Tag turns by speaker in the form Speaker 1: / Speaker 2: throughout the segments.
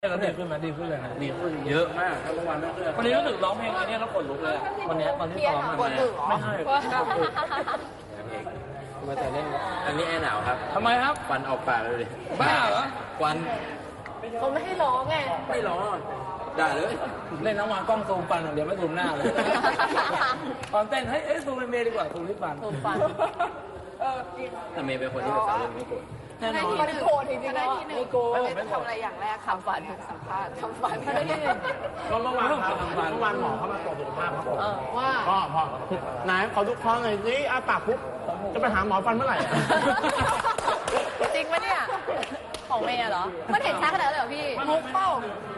Speaker 1: เราดีขึ้นไหมดีขึ้นเลยนะ
Speaker 2: ดีขึ้นเยอะมากครับเมื่อวานไม่เชื่อ
Speaker 1: วันนี้รู้สึกร้องเพลงอันนี้แล้วขนลุกเลยวันนี้ตอนที่ซ้อมมาไม่ใช่มาแต่เล่น
Speaker 2: อันนี้แอร์หนาวครับ
Speaker 1: ทำไมครับ
Speaker 2: ควันออกปากเลยดิ
Speaker 1: บ้าเหรอ
Speaker 2: ควัน
Speaker 3: เขาไม่ให้ร้องไง
Speaker 2: ไม่ร้องด่าเลย
Speaker 1: เล่นน้ำมันกล้องซูมฟันเดี๋ยวไม่ซูมหน้าเลยตอนเต้นเฮ้ยซูมเมย์ดีกว่าซูมที่ฟัน
Speaker 2: แต่เมย์เป็นคนที่แบบสาวเรื่องไม่โกรธ
Speaker 3: แน่นอนไม่โกรธจริงๆนะไม่โกรธทำอะไรอย่างแรกทำฟันสัมภาษณ์ทำฟันไม่ได้ที่หนึ่ง
Speaker 4: ก็เมื่อวานหมอเขามาตรวจสุขภาพครับผม
Speaker 3: ว่า
Speaker 4: พ่อนายขอทุกครั้งเลยสิอ้าปากปุ๊บจะไปหาหมอฟันเมื่อไหร่
Speaker 3: จริงไหมเนี่ยของเมย์เหรอมันเห็นชัดขนาดนั้นเลยเหรอพี่มุกเป้า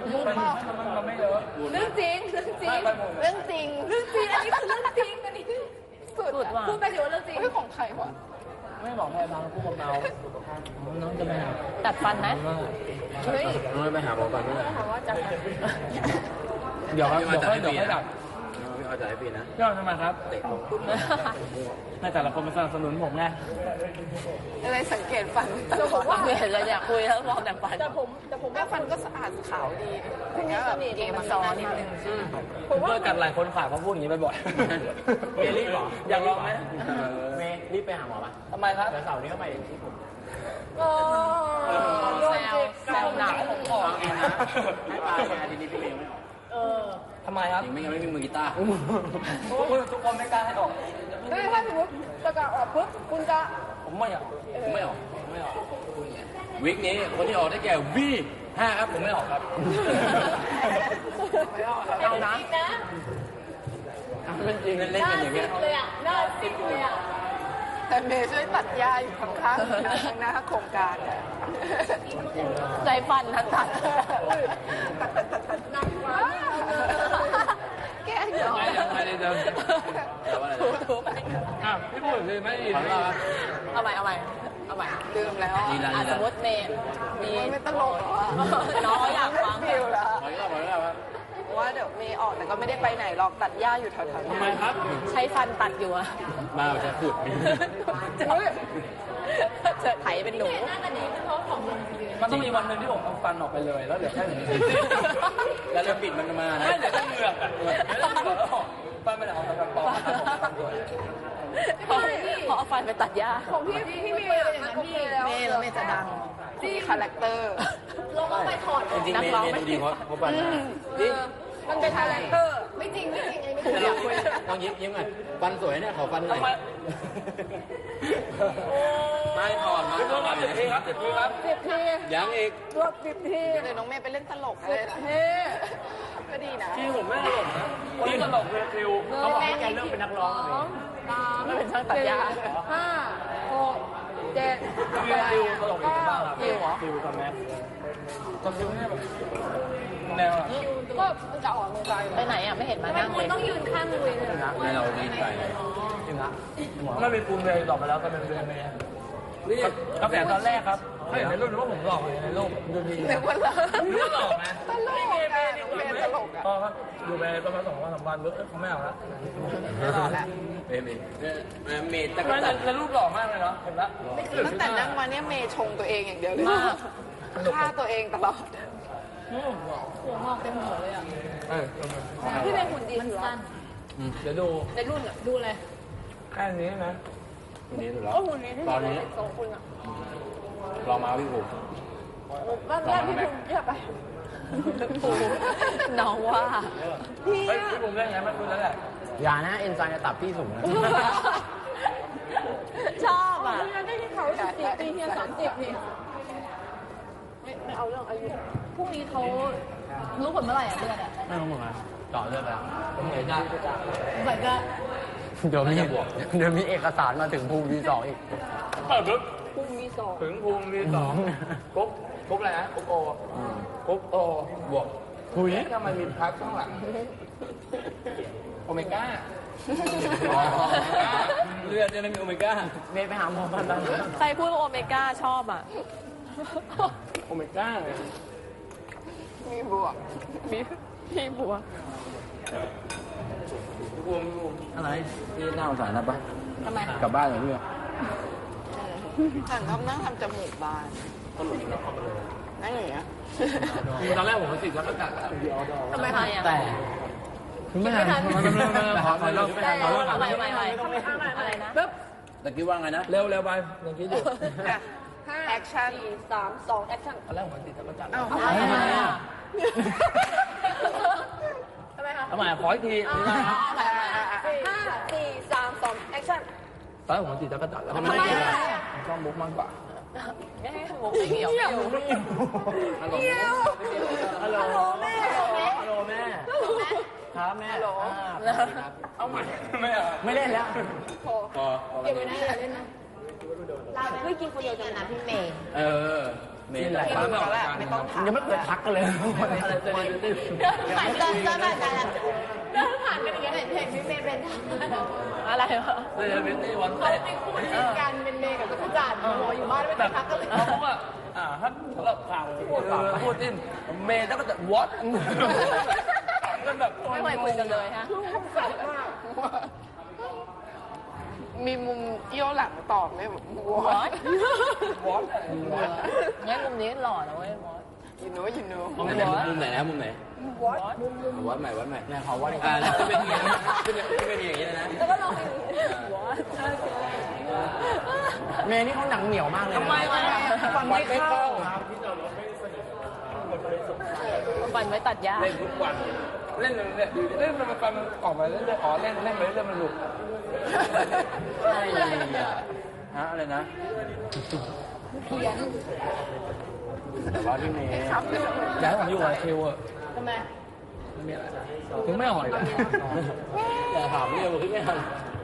Speaker 3: เรื่องจริงเรื่องจริงเรื่องจริงเรื่องจริงอันนี้คือเรื่องจริงอันนี้สุดว่ะพูดไปถือว่าเรื่องจริงไม่ของใครวะ
Speaker 1: ไม่บอกให้ฟังพูดกับเราน้องจะไปหา
Speaker 3: ตัดฟันไหมเฮ้ย
Speaker 2: น้องไปหาหมอฟันเมื่อไหร่
Speaker 3: ว่าจะ
Speaker 1: เดี๋ยวให้ดับ
Speaker 2: ไม่เอาใจให้ปีนะ
Speaker 1: ย่อทำไมครับให้แต่ละคนมาสนับสนุนผมไง
Speaker 3: อะไรสังเกตฟันแต่ผมว่าเห็นแล้วอยากคุยแล้วมองแต่ฟันแต่ผมว่าฟันก็สะอาดขาวดีคุณนี่แบบเกมมาซ้อนนิดนึง
Speaker 1: ผมว่ากันหลายคนขายเขาพูดอย่างนี้บ่อย
Speaker 4: เมย์รีบหรอ
Speaker 1: อยากลองไหม
Speaker 4: เมย์รีบไปหาหมอป่ะ
Speaker 1: ทำไมครับ
Speaker 4: เสาร์นี้ก็ไปที่ผม
Speaker 3: แซวหนัก
Speaker 2: ผมขอเองนะให้ปลาแชร์ทีนี้พี่เมย์ไม่ออก
Speaker 1: ทำไมครับ
Speaker 2: จริงไม่งั้นไม่มีมือกีตาร์
Speaker 1: ทุกคนไม่กล้าให้ออก
Speaker 3: ถ้าสมมติประกาศออกปุ๊บคุณจะ
Speaker 1: ผมไม่ออก
Speaker 2: วิกนี้คนที่ออกได้แก่V5ครับผมไม่ออกครับ
Speaker 3: เอานะ
Speaker 2: เป็นจริงเล่นกันอย่างเงี้ย
Speaker 3: น่าสิบเลยอ่ะแต่เมย์ช่วยตัดหญ้าอยู่ข้างๆหน้าโครงการใจฟันทัดนั่งว่าแก้เหรอ
Speaker 2: ไม่ได้เดิน
Speaker 3: ถูไป
Speaker 1: พี่พูดเลยไม่ดี
Speaker 3: เอาใหม่ลืมแล้วสมมติเมย์มีไม่ตลกหรอน้องอยากฟังฟิวแล้วว่าเดี๋ยวเมย์ออกแต่ก็ไม่ได้ไปไหนหรอกตัดหญ้าอยู่แถวๆนี้
Speaker 1: ทำไมครับ
Speaker 3: ใช้ฟันตัดอยู่อะ
Speaker 2: มาจะขุด
Speaker 3: จะไถเป็นหนู
Speaker 1: มันต้องมีวันหนึ่งที่ผมเอาฟันออกไปเลยแล้วเดี๋ยวแค่นี้
Speaker 2: แล้วจะปิดมันมานะ
Speaker 1: เดี๋ยวต้องเหงือกอ่ะฟันไม่ได้เอาฟันปลอม
Speaker 3: พอเอาฟันไปตัดหญ้าของพี่เมย์อย่างนั้นพี่เมย์แล้วเมย์จะดังที่คาแรคเตอร์ลงไปถอด
Speaker 2: จริงๆเมย์ดูดีเพราะฟัน
Speaker 3: มันเป็นคาแรคเตอร์ไม่จริงไม่ถูก
Speaker 2: ลองยิ้มหน่อยฟันสวยเนี่ยขอฟันหน่อยไม่ถอดมา
Speaker 1: 10 ทีครับ10 ทีครับ
Speaker 3: 10 ที
Speaker 2: ยังอีก
Speaker 3: รวบ10 ทีเดี๋ยวน้องเมย์ไปเล่นตลกเลยก็ดีนะ
Speaker 1: ที่ผมไม่ตลกนะที่ตลกคือฟิว
Speaker 4: เขาบอกให้แกเลิกเป็นนักร้อง
Speaker 3: ไม่เป็นช่างตัดหญ้า5 6 7
Speaker 1: ฟิวตลกอีกบ้างครับฟิวกับแม็กกับฟิวเนี่ยแบบแนว
Speaker 3: ก็จะออกมือไปไหนอ่ะไม่เห็นมานั่งเลยต้องยืนข้างเลย
Speaker 2: ไม่เราดีใจ
Speaker 1: จริงนะไม่เป็นปูนเลยหลอกไปแล้วก็เป็นเรื่องนี้นี่กระแสตอนแรกครับเขาเห็นในรูปว่าผมหลอกในรูปดูดี
Speaker 3: นึกว่า
Speaker 1: หลอกนะ
Speaker 3: ตลกเป็นตลกอ่ะ
Speaker 1: พอครับดูไปประมาณ2 วัน 3 วันเขาไม่เอาละ
Speaker 3: หลอกแล้ว
Speaker 2: เมย์
Speaker 1: แต่รูปหล่อมากเลยเนาะเห็นละ
Speaker 3: ตั้งแต่นั่งมาเนี่ยเมย์ชงตัวเองอย่างเดียวเลยฆ่าตัวเองตลอดหัวงอกเต็มหัวเลยอ่ะพี่เป็นหุ่นดีมันสั้น
Speaker 1: เดี๋ยวดู
Speaker 3: ในรุ่นอ่ะดูเลย
Speaker 1: แค่นี้นะ
Speaker 2: หุ่นนี้ถูกแล้ว
Speaker 3: หุ่นนี้ตอนนี้2 คนอ่ะ
Speaker 2: รอมาพี่ผม
Speaker 3: บ้านพี่ผมเยอะไปน้องว่า
Speaker 1: พี่ผมเล่นไงมันคุณแล้วแหละ
Speaker 4: อย่านะเอนไซม์จะตับพี่สูงนะ
Speaker 3: ชอบอ่ะได้ที่เขา14 ปีเนี่ย30นี่ไม่เอาเรื่องอายุพรุ่งนี้เขารู้ผลเมื่อไหร่อ่ะเดือนอ่ะ
Speaker 4: ไม่รู้เหมือนกันต่อเรื่องแล้ว
Speaker 1: ผมเห็นได้
Speaker 3: เหมือนกัน
Speaker 4: เดี๋ยวมีเอกสารมาถึงภูมิ V2 อีก
Speaker 1: ปึ๊บ
Speaker 3: ภูมิ V2
Speaker 1: ถึงภูมิ V2 กุ๊บอะไรนะกุ๊บโอบวก
Speaker 4: คุย
Speaker 1: ถ้ามันมีพักข้างหลังโอเมก้าเลือดจะไม่มีโอเมก้า
Speaker 4: เมย์ไปหาหมอฟันแล้ว
Speaker 3: ใครพูดว่าโอเมก้าชอบอ่ะ
Speaker 1: โอเมก้า
Speaker 3: มีบวกมีบวก
Speaker 2: อะไรพี่น่าสงสารนะปะ
Speaker 3: ทำไม
Speaker 2: กลับบ้านเหรอพี่
Speaker 3: ฉันนั่งทำจมูกบานนั่งอย่างเงี้ย
Speaker 2: ตอนแรกผมก็ติดแล้วก็กัด
Speaker 3: ทำไมคะอ่ะ
Speaker 4: แต่ไม่ทัน
Speaker 2: ขอรอบ
Speaker 3: เอาใหม่อะไรนะปึ๊บ
Speaker 2: ตะกี้ว่าไงนะ
Speaker 1: เร็วไปยังคิดอยู่
Speaker 3: แอคชั่น3 2แอคชั่น
Speaker 1: ตอนแรกผมติดจักรจันทร์
Speaker 3: ทำไมอ่ะทำไมคะ
Speaker 1: ทำไมขออีกที
Speaker 3: 5 4 3 2แอคชั่น
Speaker 1: ตอนแรกผมติดจักรจันทร์แล้ว
Speaker 3: ทำไมอ่ะ
Speaker 1: ผมชอบมุกมากกว่า
Speaker 3: มุกไม่เกี่ยวฮัลโหลแม่
Speaker 4: ฮัลโหลแม่ครับแม่
Speaker 1: เอาใหม่ไม่เล่นแล้ว
Speaker 2: พอ
Speaker 3: เก็บไว้นะอย่าเล่นนะเฮ้ยกินคนเดียวกันนะพี่เมย์
Speaker 2: เมย์
Speaker 1: หลายครั้งแล้ว
Speaker 3: ไม่ต้องถาม
Speaker 4: ยังไม่เคยทักกันเลย
Speaker 1: อะไรเต้น
Speaker 3: ผ่านเดินผ่านกันอย่างเงี้ยเห็นพี่เมย์เป็นอะไรวะ
Speaker 1: เต้นวัน
Speaker 3: เขา
Speaker 1: เต้น
Speaker 3: เป็นคู่จิ้นกันเป็นเมย์กับจักรจันทร์อยู่บ้านไม่
Speaker 1: แบ
Speaker 3: ได้
Speaker 1: บ
Speaker 3: ทักกันเลย
Speaker 1: เขาบอกว่าครับสำหรับข่าวพูดดิ้นเมย์แล้วก็จะ what กันแบบ
Speaker 3: ไม่เคยคุยกันเลยฮะมีมุมเอี้ยวหลังตอบไหมแบบวอด
Speaker 1: what
Speaker 3: งั้นมุมนี้หล่อนะเว้ยมอสยินโน้
Speaker 2: มุมไหนนะมุมไหนวัดใหม่เนี่ยเขาวัดแล้วจะเป็นอย่างนี้จะเป็นอย่างนี้นะ
Speaker 3: แล้วก็ลองไปวอด
Speaker 4: เมย์นี่เขาหนังเหนียวมากเลย
Speaker 3: ทำไมวะ
Speaker 4: ฟันไม่เข้า
Speaker 3: ฟันไว้ตัดหญ้า
Speaker 1: เล่นทุกวันเล่นเนี่ยเล่นมันฟันออกมาเล่นอ๋อเล่นไปเรื่อยมันหลุด
Speaker 2: อะไรนะ
Speaker 3: เพี้ยน
Speaker 2: แต่ว่าพี่เมย์
Speaker 1: อยากให้ผมอยู่กับคิวอ่ะ
Speaker 3: ทำไม
Speaker 1: ถึงไม่อ่อยเลย
Speaker 2: แต่ถามเรื่องพี่ไม่ทัน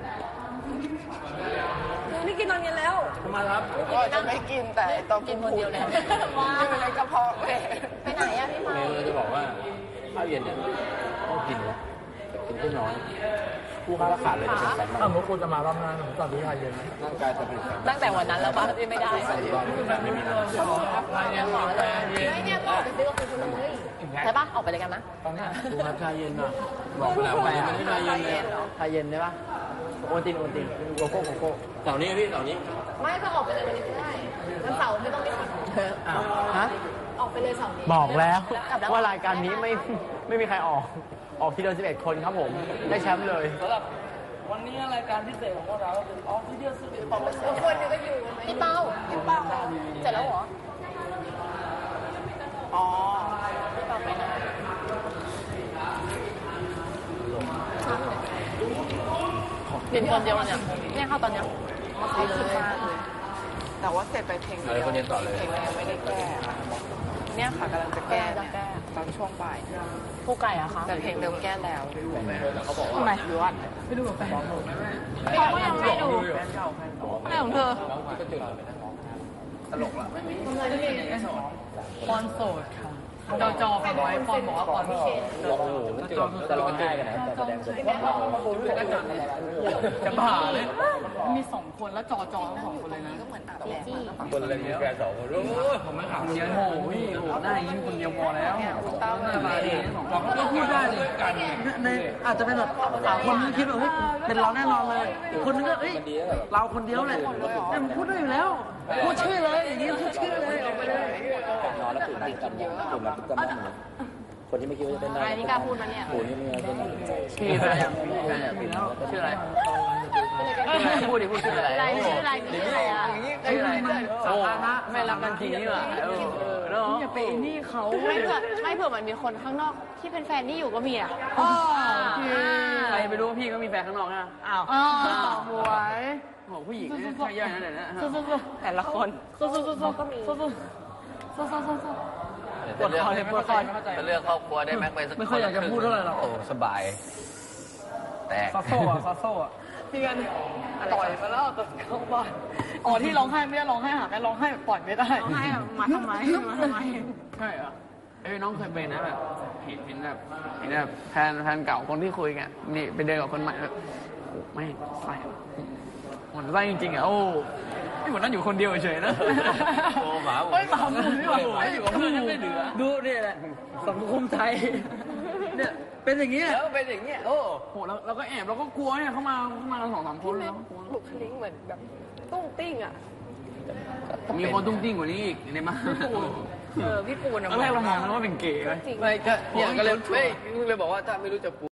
Speaker 3: นี่กินตอนเย็นแล้ว
Speaker 1: ทำไมครับ
Speaker 3: ก็จะไม่กินแต่ต้องกินคนเดียวเนี่ยอยู่ในกระเพาะเลยไปไหนอะพี่
Speaker 2: เมย์จะบอกว่าข้าวเย็นเนี่ยต้องกินนะกินแค่น้อยผู้ค้าราคาเลยจะเป็นสัน
Speaker 1: ถ้ามุกคุณจะมารอบหน้าผมสั่งที่ไทยเย็นนะ
Speaker 2: ร่างกายจะเป็นสัน
Speaker 3: ตั้งแต่วันนั้นแล้วป้าที่ไม่ได้
Speaker 2: ไม่มีน้ำ
Speaker 1: ไทยเย็นกาแฟเย็น
Speaker 3: ไม่เนี่ยก็ออกไปซื้อกับคุณเลยใช่ปะออกไปเลยกันนะ
Speaker 1: ตอนนี้
Speaker 2: ดูครับชาเย็นอ่ะบอกไปแล้วว่ามันไม่ชาเย็นเลย
Speaker 4: ชาเย็นได้ปะโอตินโกโก้
Speaker 2: เสาร์นี้พี่เสาร์นี้
Speaker 3: ไม่ก็ออกไปเลยวันนี้ก็ได้วันเสาร์ไม่ต้องมีคน
Speaker 4: อ้าวฮะ
Speaker 3: ออกไปเลยเสาร์นี้
Speaker 4: บอกแล้วว่ารายการนี้ไม่มีใครออกทีเดียว11 คนครับผม ได้แชมป์เลย
Speaker 1: สำหรับวันนี้รายการพิเศษของพวกเราก็คือออฟฟิเชียลสุดของ
Speaker 3: คนนึงก็อยู่พี่เป้าเสร็จแล้วเหรออ๋อพี่เป้าไปไหนเปลี่ยนคนเดียวเนี่ยเข้าตอนเนี้ยแต่ว่าเสร็จไปเพลง
Speaker 2: อะไรคนเย็นต่อเลย
Speaker 3: เพลงยังไม่ได้แก้เนี่ยค่ะกำลังจะแก้ตอนช่วงบ่ายผู้ไก่อะคะแต่เพลงเดิมแก้แล้วทำไมดูอ่ะไปดูกับแฟนเขาก็ยังไม่ดูอะไรของเธอ
Speaker 2: ตลกละไม่มี
Speaker 1: ปอนโสดค่ะจอฟังไว้ปอนบอกว่าปอนพิเศษ
Speaker 2: โอ้โหจะร้องไห้กันนะแต่แสดงเสร็จ
Speaker 1: จะบ้าเลยมี2 คนแล้วจอทั้ง2 คนเลยนะ
Speaker 3: ก็เหมือนอาบแดด
Speaker 2: คนอะไรมีแฟน2 คนรู้
Speaker 1: ผมไม่ข่าวเดียวโอ้โหพี่โอ้โหหน้าอย่างนี้คนเดียวพอแล้ว
Speaker 3: คุณตั้ม
Speaker 1: หน้าตาดีเราก็พูดได้เลยกันในอาจจะเป็นแบบคนนึงคิดแบบเฮ้ยเป็นเราแน่นอนเลยอีกคนนึงก็เอ้ยเราคนเดียวแหละแต่มันพูดได้อยู่แล้วพูดชื่อเลยอย่างนี้พูดชื่อเลยออกไปเลย
Speaker 2: นอนแล้วตื่นติดกันตื่นแล้วตื่นกันคนที่ไม่คิดว่าจะเป็นได้
Speaker 3: อะไรนี่กล้าพูดมาเนี่ย
Speaker 2: โอ้ยนี่ไม่เป็น
Speaker 1: ชื่ออะไรชื่ออะไรพูดดิพูดชื่ออะไร
Speaker 3: ชื่ออะไรอ่ะ
Speaker 1: ชื่ออะไรสาธารณะไม่รักกันทีนี่หว่าเนาะอย่าไปนี่เขา
Speaker 3: ไม่เผื่อมันมีคนข้างนอกที่เป็นแฟนนี่อยู่ก็มีอ่ะ
Speaker 1: ใครไปรู้พี่ก็มีแฟนข้างนอกนะอ้าวหวยโหผู้หญิงใช่ย่อยนั่นแหละนะ
Speaker 3: แต่ละคนก็มี
Speaker 1: ปวดคอเลยปวดคอ
Speaker 2: เป็นเรื่องครอบครัวได้ไหมไปสัก
Speaker 1: ไม่ค่อยอยากจะพูดเท่าไหร่หรอก
Speaker 2: โอ้สบาย แต่
Speaker 1: ซาโซ่อะพี่กันต่อยมาแล้วแต่เข้าบ้านอ๋อที่ร้องไห้ไม่ได้ร้องไห้หาแม่ร้องไห้ปล่อยไม่ได้ร้องไห้มาทำไมใช่เหรอเอ้ยน้องเคยเป็นนะแบบเห็นแบบแฟนเก่าคนที่คุยกันนี่ไปเดินกับคนใหม่แบบไม่ใส่หมันไส้จริงๆอ่ะโอ้ไม่เหมือนนั่นอยู่คนเดียวเฉยๆนะ
Speaker 2: โอ้หมา
Speaker 1: ไม่หมาหมูนี่หว่าอยู่กับเพื่อนยังไม่เหลือดูเนี่ยแหละสังคมไทยเนี่ยเป็นอย่างนี้แหละ
Speaker 2: แล้วเป็นอย่างเงี้ยโอ้
Speaker 1: โหเราก็แอบเราก็กลัวเนี่ยเขามากัน2-3 คนแล้ว
Speaker 3: บุคลิกเหมือนแบบตุ้งติ้งอ่ะ
Speaker 1: มีคนตุ้งติ้งกว่านี้อีกในมา
Speaker 3: พี่ปูน
Speaker 1: ตอนแรกเรามองว่าเป็นเก๋ไหม
Speaker 2: ไม่ก็เนี่ยก็เลยบอกว่าถ้าไม่รู้จักปู